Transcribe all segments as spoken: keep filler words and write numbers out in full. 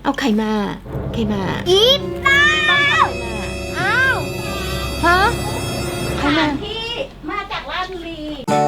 เอาใครมาใครมาอีป้าอ้าวฮะใครมาที่มาจากราชบุรี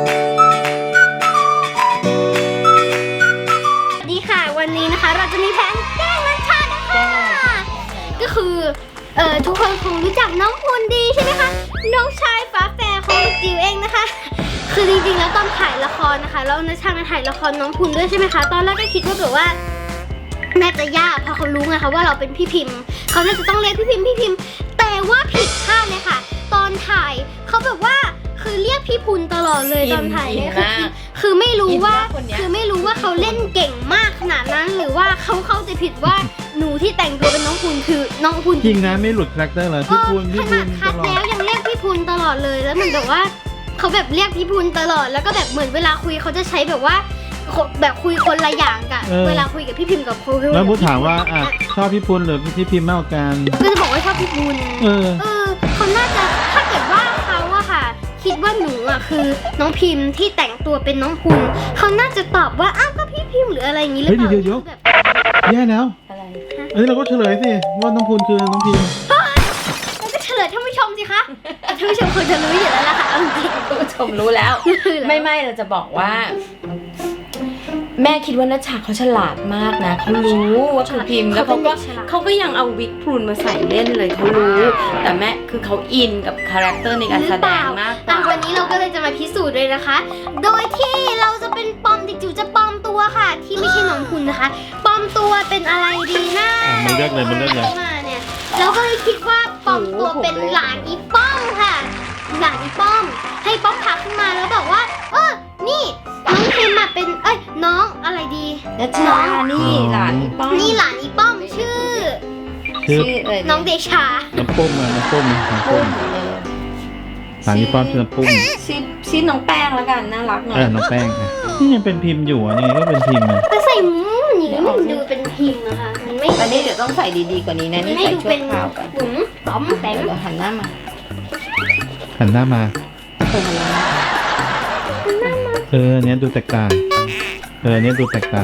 สวัสดีค่ะวันนี้นะคะเราจะมีแผนแกล้งนัชชานะคะก็คือเอ่อทุกคนคงรู้จักน้องพูนดีใช่ไหมคะน้องชายฝาแฝดของลูกจิ๋วเองนะคะคือจริงๆแล้วตอนถ่ายละครนะคะแล้วนัชชามาถ่ายละครน้องพูนด้วยใช่ไหมคะตอนแรกก็คิดว่าแบบว่าน่าจะยากเพราะเขารู้ไงคะว่าเราเป็นพี่พิมพ์เขาน่าจะต้องเรียกพี่พิมพ์พี่พิมพ์แต่ว่าผิดคาดเลยค่ะตอนถ่ายเขาแบบว่าคือเรียกพี่พูนตลอดเลยตอนถ่ายเนี่ยคือคือไม่รู้ว่าคือไม่รู้ว่าเขาเล่นเก่งมากขนาดนั้นหรือว่าเขาเข้าใจผิดว่าหนูที่แต่งตัวเป็นน้องพูนคือน้องพูนจริงนะไม่หลุดคาแรคเตอร์เลยพี่พูนพี่ขพูนาดนคัตดลอแล้วดยังเรียกพี่พูนตลอดเลยแล้วเหมือนแบบว่าเขาแบบเรียกพี่พูนตลอดแล้วก็แบบเหมือนเวลาคุยเขาจะใช้แบบว่าแบบคุยคนละอย่างกันเวลาคุยกับพี่พิมพ์กับครูแล้วพูดถามว่าอ่ะชอบพี่พูนหรือพี่พิมพ์มากกว่ากันก็จะบอกว่าชอบพี่พูนเออเออเขาน่าจะถ้าเกิดว่าเขาอะค่ะคิดว่าหนูอะคือน้องพิมพ์ที่แต่งตัวเป็นน้องพูนเขาน่าจะตอบว่าอ้าวก็พี่พิมพ์หรืออะไรอย่างนี้หรือเปล่าเฮ้ยเดี๋ยวๆแบบแย่แล้วอะไรเอ้ยเราก็เฉลยสิว่าน้องพูนคือน้องพิมพ์แล้วก็เฉลยท่านผู้ชมสิคะท่านผู้ชมควรจะรู้อยู่แล้วล่ะค่ะเอาจริงคุณผู้ชมรู้แล้ว ไม่ไม่เราจะบอกว่า แม่คิดว่านัชชาเขาฉลาดมากนะเขารู้ว่าคือพิมพ์แล้วเขาก็เขาก็ยังเอาวิกพรูนมาใส่เล่นเลยเขารู้ แต่แม่คือเขาอินกับคาแรคเตอร์ในการแสดงมากกอ่ะว่าวันนี้เราก็เลยจะมาพิสูจน์เลยนะคะ โดยที่เราจะเป็นปลอมเด็กจิ๋วจะปลอมตัวค่ะ ที่ไม่ใช่น้องคุณนะคะปลอมตัวเป็นอะไรดีนะอ่ะมันเลือกเลยมันเลือกเลยมาเนี่ยเราก็เลยคิดว่าปลอมตัวเป็นหลานอีป้อมค่ะ หลานอีป้อม ให้ป้อมทักขึ้นมาแล้วบอกว่า เออนี่น้องพิมมาเป็นเอ้ยน้องอะไรดีนัชชานี่หลานพี่ป้องนี่หลานอีป้อมชื่อชื่อชื่ออะไรน้องเดชาน้ำปุ้มอะน้ำปุ้มน้ำปุ้ปุ้มมเลยสามพี่ป้อมชื่อน้ำปุ้มชื่อชื่อน้องแป้งแล้วกันน่ารักหน่อเอย อน้องแป้งค่ะนี่ยังเป็นพิมพ์อยู่อ่ะยังไงก็เป็นพิมพ์นะแต่ใส่หมูอย่างนี้มันดูเป็นพิมพ์นะคะมันไม่อันนี้เดี๋ยวต้องใส่ดีๆกว่านี้นะนี่ไม่ใส่ดูชั่วเป็นคราวก่อนหมุนป้อมแปมเดี๋ยวหันหน้ามาหันหน้ามาเปิดหันหน้ามาเออเนี้ยดูแตกต่างเออเนี้ยดูแตกต่าง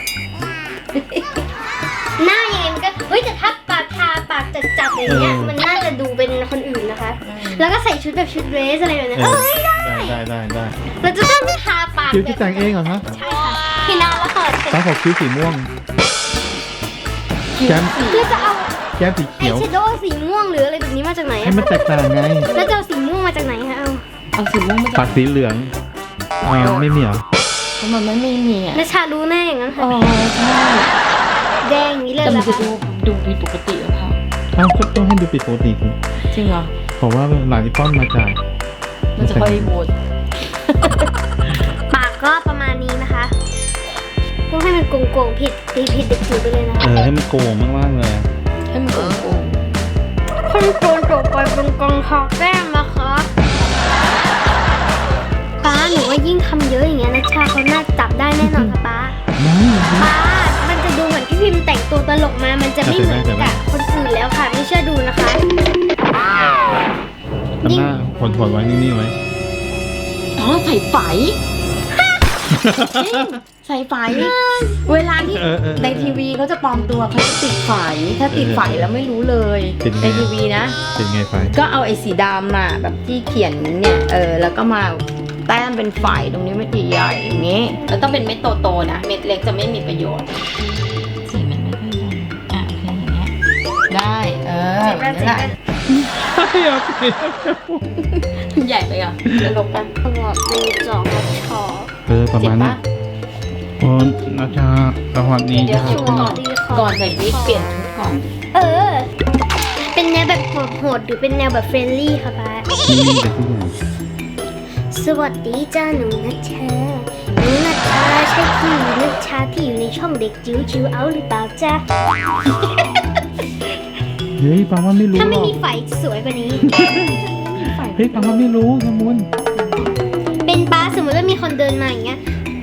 หน้ายังไงมันก็เฮ้ยแต่ถ้าปากทาปากจัดๆอย่างเงี้ยมันน่าจะดูเป็นคนอื่นนะคะ แล้วก็ใส่ชุดแบบชุดเดรสอะไรแบบนี้เอเอออได้ได้ได้ได้ได้เราจะต้องทาปากคิ้วที่แต่งเองเหรอฮะใช่ค่ะพี่นาแล้วค่ะตาขอบคิ้วสีม่วงแก้มแล้วจะเอาแก้มสีไอเขียวแชโดว์สีม่วงหรืออะไรแบบนี้มาจากไหนให้อะมันแตกต่างไงแล้วจะเอาสีม่วงมาจากไหนคะเอาเอาสีม่วงมาปากสีเหลืองอ่าไม่มีเหรอเพราะมันไม่ไม่มีอ่ะนัชชารู้แน่อย่างนั้นอ๋ค่ะอใช่แดงอย่างนี้เลยแต่เหรมัอนจะคะดูดูผิดปกติหรือเปล่าอ้าวก็ต้องให้ดูปิดปกติสิจริงเหรอเพราะว่าหลานที่ป้อมมาจากมันจะค่อยโหวตปากก็ประมาณนี้นะคะต้องให้มันโกงๆผิดตีผิดเด็กจิ๋วไปเลยนะคะเออให้มันโกงมากๆเลยอะให้มันโกงคนโกนจบไปเป็นกองทองแก้มนะคะป้าหนูว่ายิ่งทำเยอะอย่างเงี้ยนัชชาเขาน่าจับได้แน่นอนค่ะป้าไม่ป้ามันจะดูเหมือนพี่พิมพ์แต่งตัวตลกมา มันจะไม่เหมือนกับคนอื่นแล้วค่ะ ไม่เชื่อดูนะคะทำหน้าผลผลไว้นิ่งๆไว้อ๋อใส่ไฝจริงใส่ไฝเวลาที่เออเออในทีวีเขาจะปลอมตัวเขาจะติดไฝถ้าติดไฝแล้วไม่รู้เลยติดไงในทีวีนะเป็นไงไฟก็เอาไอ้สีดำน่ะแบบที่เขียนเนี่ยเออแล้วก็มาแต้มเป็นไฝตรงนี้เม็ดใหญ่ๆอย่างงี้แล้วต้องเป็นเม็ดโตๆนะเม็ดเล็กจะไม่มีประโยชน์สีมันไม่ค่อยดำอ่ะโอเคอย่างเงี้ยได้เออแบบนี้แหละใช่เหรอใหญ่ไปอ่ะจะลบกันตลอดมีจอกกับชอเออประมาณนั้นโอ้นาชาสวัสดีเดี๋ยวจ้าก่อนก่อนใส่วิกเปลี่ยนชุดก่อนเออ เป็นแนวแบบโหดๆหรือเป็นแนวแบบเฟรนลี่ค่ะป้านี่แต่ทุกอย่างสวัสดีจ้าหนูนัชชาหนูนัชชาใช่พี่นัชชาที่อยู่ในช่องเด็กจิ๋วจิ๋วเอาหรือเปล่าจ้าเฮ้ยปังว่าไม่รู้ถ้าหรไม่อกมีไฟสวยกว่านี้เฮ้ยปังว่าไม่รู้สมุนเป็นป้าสมมติว่ามีคนเดินมาอย่างเงี้ย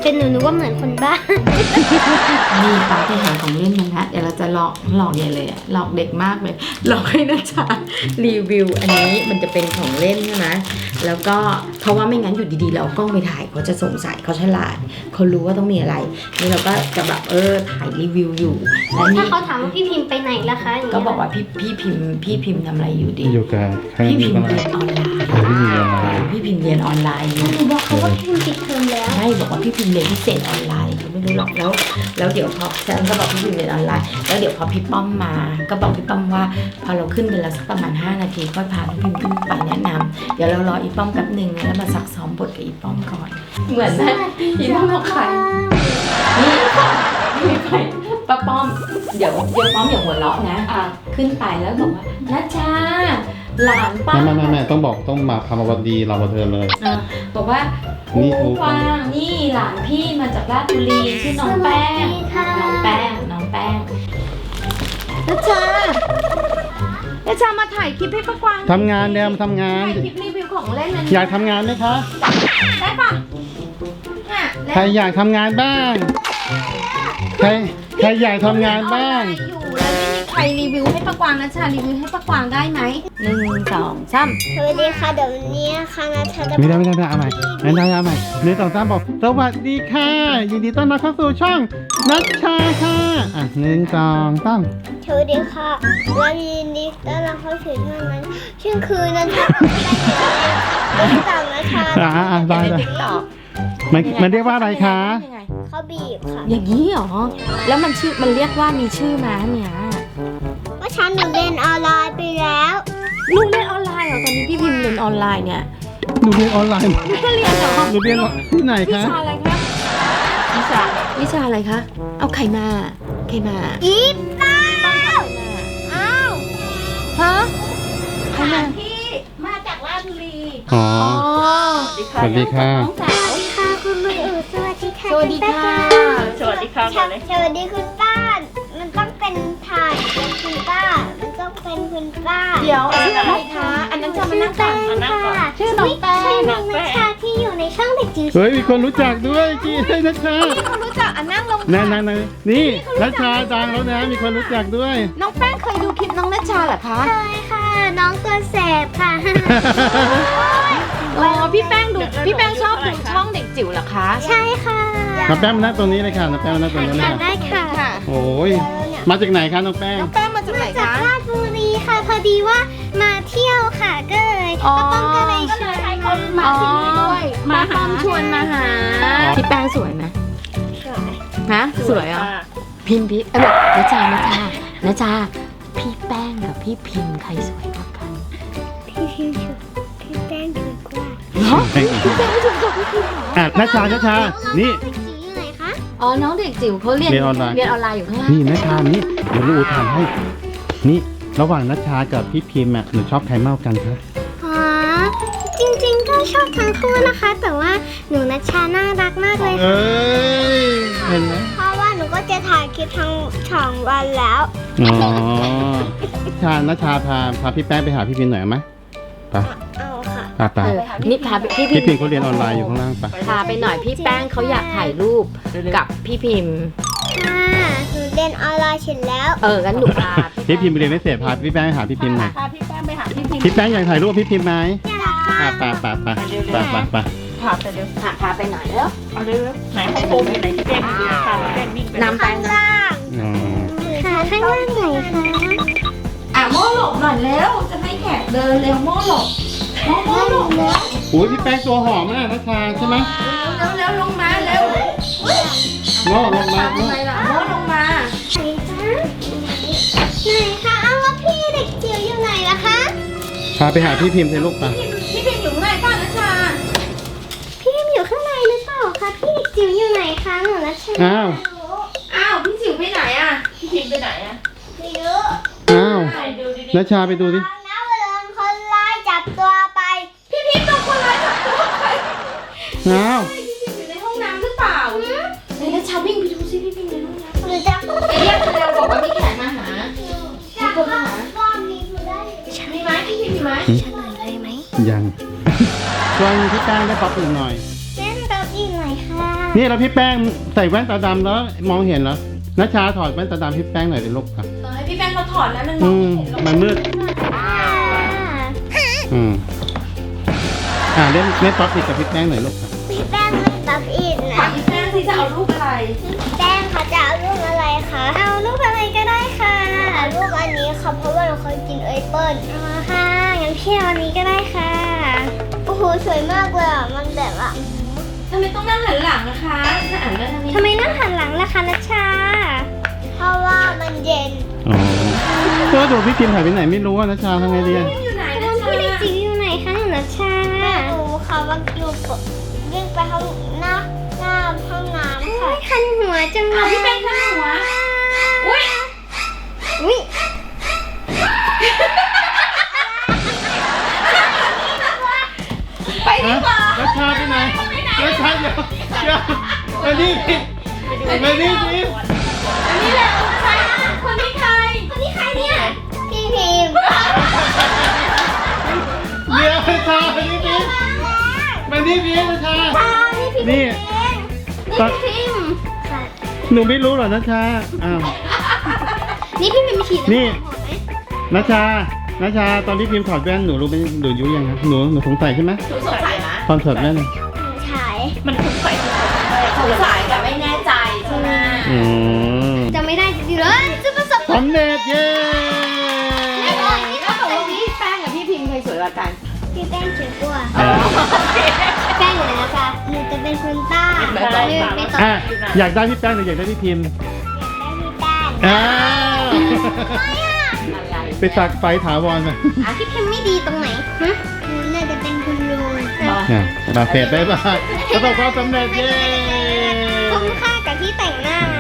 เป็นหนูหนูว่าเหมือนคนบ้านี่ป้าไปหาของเล่นมาแล้วเดี๋ยวเราจะหลอกหลอกใหญ่เลยอะหลอกเด็กมากเลยหลอกให้นะจ๊ะรีวิวอันนี้มันจะเป็นของเล่นใช่ไหมแล้วก็เพราะว่าไม่งั้นอยู่ดีๆเราเอากล้องไปถ่ายเขาจะสงสัยเขาฉลาดเขารู้ว่าต้องมีอะไรนี่เราก็จะแบบเออถ่ายรีวิวอยู่แล้วถ้านี่เขาถามว่าพี่พิมพ์ไปไหนล่ะคะย่งก็เงี้ยบอกว่าพี่พี่พิมพ์พี่พิมพ์ทำอะไรอยู่ดีอยู่กับใครพี่อยู่พิมกับพ์อะไรเรียนออนไลน์เออพี่พิมพ์เรียนออนไลน์พี่พิมพ์เรียนออนไลน์อยู่หนูบอกเขาว่าพี่พิมพ์ปิดเทอมแล้วใช่บอกว่าพี่พิมพ์เรียนพิเศษออนไลน์เขาไม่รู้หรอกแล้ว แล้วเดี๋ยวพอฉันก็บอกพี่พิมพ์เรียนออนไลน์แล้วเดี๋ยวพอพี่ป้อมมาก็บอกพี่ป้อมว่าพอเราขึ้นไปแล้วสักประมาณห้านาทีก็พาพี่พิมพ์ขึ้นไปแนะนำเดี๋ยวเรารออีป้อมแป๊บหนึ่งแล้วมาซักซ้อมบทกับอีป้อมก่อนเหมือนนะอีป้อมบอกใครนี่นี่ใครป้าป้อมเดี๋ยวเดี๋ยวป้อมอย่าหัวเราะนะอ่ะขึ้นไปแล้วบอกว่านัชชาหลานป้าไม่ไม่ไม่ไม่ต้องบอกต้องมาพามาวันดีเรามาเธอเลยอ่ะบอกว่านี่ครูครูฟางนี่หลานพี่มาจากราชบุรีชื่อน้องแป้งสวัสดีค่ะน้องแป้งน้องแป้งนัชชานัชชามาถ่ายคลิปให้ป้ากวางทำงานเดิมทำงานถ่ายคลิปรีวิวของเล่นนั้นอยากทำงานไหมคะได้ปะอ่ะใครอยากทำงานบ้าง ใครใครอยากทำงานบ้างอยู่แล้วไม่มีใครรีวิวให้ป้ากวางนัชชารีวิวให้ป้ากวางได้ไหมหนึ่งสองสามสวัสดีค่ะเดี๋ยววันนี้ค่ะนะเธอจะไม่ได้ไม่ได้ไม่ได้เอาใหม่ไม่ได้เอาใหม่หนึ่งสองสามบอกสวัสดีค่ะยินดีต้อนรับเข้าสู่ช่องนัชชาค่ะอ่ะหนึ่งสองสามสวัสดีค่ะและยินดีต้อนรับเข้าสู่ช่องนั้นชื่อคือนันทาไม่ได้ต่างนะคะอ่ะอ่ะได้ได้ติ๊กต็อกมันมันเรียกว่าอะไรคะเขาบีบค่ะอย่างนี้เหรอแล้วมันชื่อมันเรียกว่ามีชื่อมาเนี่ยเมื่อเช้าหนูเรียนออนไลน์ไปแล้วลูกเรียนออนไลน์เหรอตอนนี้พี่พิมพ์เรียนออนไลน์เนี่ยหนูเรียนออนไลน์ลูกก็เรียนเหรอหนูเรียนที่ไหนวิคะชาอะไรคะวิชาวิชาอะไรคะเอาไข่มาไข่มาอีป้าอ้าวฮะไข่มาพี่มาจากราชบุรีอ๋ออ๋อสวัสดีค่ะสวัสดีค่ะคุณลุงเอ๋สวัสดีค่ะสวัสดีค่ะสวัสดีค่ะสวัสดีคุณป้า มันต้องเป็นถ่ายเป็นคุณป้า มันต้องเป็นคุณป้าเดี๋ยวชื่ออะไรคะอันนั้นจะมานั่งก่อนชื่อแป้งค่ะชื่อน้องแป้งใช่น้องนัชชาที่อยู่ในช่องเด็กจิ๋วเฮ้ยมีคนรู้จักด้วยจีให้นัชชาพี่เขารู้จักอันนั่งลงนั่นนั่นนั่นนี่นัชชาดังแล้วนะมีคนรู้จักด้วยน้องแป้งเคยดูคลิปน้องนัชชาเหรอคะใช่ค่ะ น้องตัวแสบค่ะอ๋อพี่แป้งดูพี่แป้งชอบดูช่องเด็กจิ๋วเหรอคะใช่ค่ะน้องแป้งมานั่งตรงนี้เลยค่ะน้องแป้งมานั่งตรงนี้เลยค่ะค่ะได้ค่ะค่ะโอ้ยมาจากไหนคะน้องแป้งน้องแป้งมาจากไหนจากคะราชบุรีค่ะ พอดีว่ามาเที่ยวค่ะ ก็เลยอ๋อก็ต้องก็เลยชวนเขามาอ๋อที่นี่ด้วยมาป้อมชวนมาหาพี่แป้งสวยไหมฮะสวยอ่ะพิมพ์พี่เอ้ยนะจานะจานะจาพี่แป้งกับพี่พิมพ์ใครสวยกว่ากันพี่พิมพ์ชุดพี่แป้งถูกกว่าเนาะแป้งอีกพี่แป้งสวยกว่าพี่พิมพ์เหรออ่ะนัชชานัชชานี่เด็กจิ๋วอยู่ไหนคะอ๋อน้องเด็กจิ๋วเขาเรียนเรียนออนไลน์เรียนออนไลน์อยู่ข้างล่างนี่นัชชานี่เดี๋ยวลูกอูถามให้ นี่ระหว่างนัชชากับพี่พิมพ์อ่ะหนูชอบใครมากกว่ากันคะอ๋อ จริงๆ ก็ชอบทั้งคู่นะคะ แต่ว่าหนูนัชชาน่ารักมากเลยค่ะเอ้ยเห็นไหมเพราะว่าหนูก็จะถ่ายคลิปทั้งสองวันแล้วอ๋อชานัชชาพาพาพี่แป้งไปหาพี่พิมพ์หน่อยไหมไปเอาค่ะไปไปเออนี่พาพี่พิพี่มพิมพ์พ์เขาเรียนออนไลน์อยู่ข้างล่างไปพาไปหน่อยพี่แป้งเขาอยากถ่ายรูปกับพี่พิมพ์ค่ะหนูเรียนออนไลน์เสร็จแล้วเอองั้นหนูพาพี่พิมพ์ไปเรียนไม่เสร็จพาพี่แป้งไปหาพี่พิมพ์หน่อยพาพี่แป้งไปหาพี่พิมพ์พี่แป้งอยากถ่ายรูปกับพี่พิมพ์ไหมอยากค่ะอ่ะไปไปไปไปไปไปพาไปเร็วพาพาไปหน่อยแล้วเอาเร็วๆไหนของโฟมอยู่ไหนพี่แป้งอยู่พาพี่แป้งวิ่งไปนำแป้งนะล่างอ๋อค่ะข้างล่างไหนคะอ่ะโม่หลบหน่อยเร็วจะให้แขกเดินเร็วโม่หลบโม่โม่หลบเร็วโอ้ยพี่แป้งตัวหอมมากนัชชาใช่ไหมเร็วเร็วลงมาเร็วโง่ลงมาทำโง่ไมล่ะโม่ลงมาไหนคะไหนคะเอาแล้วพี่เด็กจิ๋วอยู่ไหนล่ะคะพาไปหาพี่พิมพ์เลยลูกไปพี่พิมอยู่ข้างในป้านะชาพี่พิมอยู่ข้างในหรือเปล่าคะพี่เด็กจิ๋วอยู่ไหนคะหนูนัชชาอ้าวอ้าวพี่จิ๋วไปไหนอ่ะพี่พิมพ์ไปไหนอะไม่รู้อ้าวไหนดูดินัชชาไปดูดิน้าเวลาคนร้ายจับตัวไปพี่พิมโดนคนร้ายจับตัวไปอ้าวพี่พิมอยู่ในห้องน้ำหรือเปล่าไหนนะชาวิ่งไปดูซิพี่พิมในห้องน้ำหรือจะเรียกเร็วบอกว่ามีแขกมาหาจะก็ก็มีผู้ได้มีไหมพี่พิมมีไหมเฉลยเลยไหมยังชวนพี่แป้งได้ป๊อปอีกหน่อยเล่นโต๊ะอีกหน่อยค่ะนี่แล้วพี่แป้งใส่แว่นตาดำแล้วมองเห็นเหรอนัชชาถอดแว่นตาดำพี่แป้งหน่อยดิลูกครับเออให้พี่แป้งเขาถอดนะมันมออืงมไม่เห็นหรอกมันมืดอืมอ่าเล่นเล่นป๊อปอีกกับพี่แป้งหน่อยลูกครับพี่แป้งไม่ตับอีกถานะมพี่แป้งที่จะเอารูปอะไรพี่แป้งเขาจะเอารูปอะไรคะเอารูปอะไรก็ได้ค่ะเอารูปอันนี้ค่ะเพราะว่าเราเคยกินเอเปิ้ลอ๋อค่ะงั้นพี่เอาอันนี้ก็ได้ค่ะโอ้โหสวยมากเลยอ่ะมันแบบว่าทำไมต้องนั่งหันหลังนะคะถ้าอ่านได้ทางนี้ทำไมนั่งหันหลังล่ะคะนัชชา เพราะว่ามันเย็นอ๋อก็ดูพี่พิมพ์หายไปไหนไม่รู้อะนัชชาทำไงดีอะอยู่ไหนแล้นะวชาพี่เด็กจิ๋วอยู่ไหนคะหนูนัชชาหนูเขาว่าอยู่วิ่งไปห้องหน้าหน้าห้องน้ำค่ะคันหัวจังเลเอายพี่แป้งข้างหัวอุ้ยอุ้ยไปดีกว่านัชชาไปไหนนัชชาเดี๋ยวเดี๋ยวมานี่มานี่สิอันนี้แหละใครคนนี้ใครคนนี้ใครเนี่ยพี่พิมพ์เดี๋ยวนัชชามานี่สิมานี่สินัชชานี่พี่พิมพ์นี่เองนี่พี่พิมพ์ค่ะหนูไม่รู้เหรอนัชชาอ้าวนี่พี่พิมพ์ฉีดนี่น้ำหอมไหมนัชชานัชชาตอนที่พิมพ์ถอดแว่นหนูรู้ไหมหนูยุยังครับหนูหนูสงสัยใช่ไหมหนูสงสัยนะตอนถอดแว่นหนูฉายมันสงสัยทุกคนเลยสงสัยแต่ไม่แน่ใจใช่ไหมอืมจำไม่ได้จริงๆเลยจะประสบสำเร็จเย้ไม่ได้นี่แล้วเขาตกลงพี่แป้งกับพี่พิมพ์ใครสวยกว่ากันพี่แป้งเฉยกว่าอ่าแป้งอยู่ไหนนะคะหนูจะเป็นคนใต้ไม่หต้นูองไม่ต้องอ่ะอยากได้พี่แป้งหรืออยากได้พี่พิมพ์ได้พี่แป้งอ้าวอะไรไปตักไฟถาวรมาอ่ะพี่พิมพ์ไม่ดีตรงไหนฮะหนูน่าจะเป็นคุณลุงเนี่ยบาเฟดได้ป่ะประสบความสำเร็จเย้คุ้มค่ากับที่แต่งหน้าไหม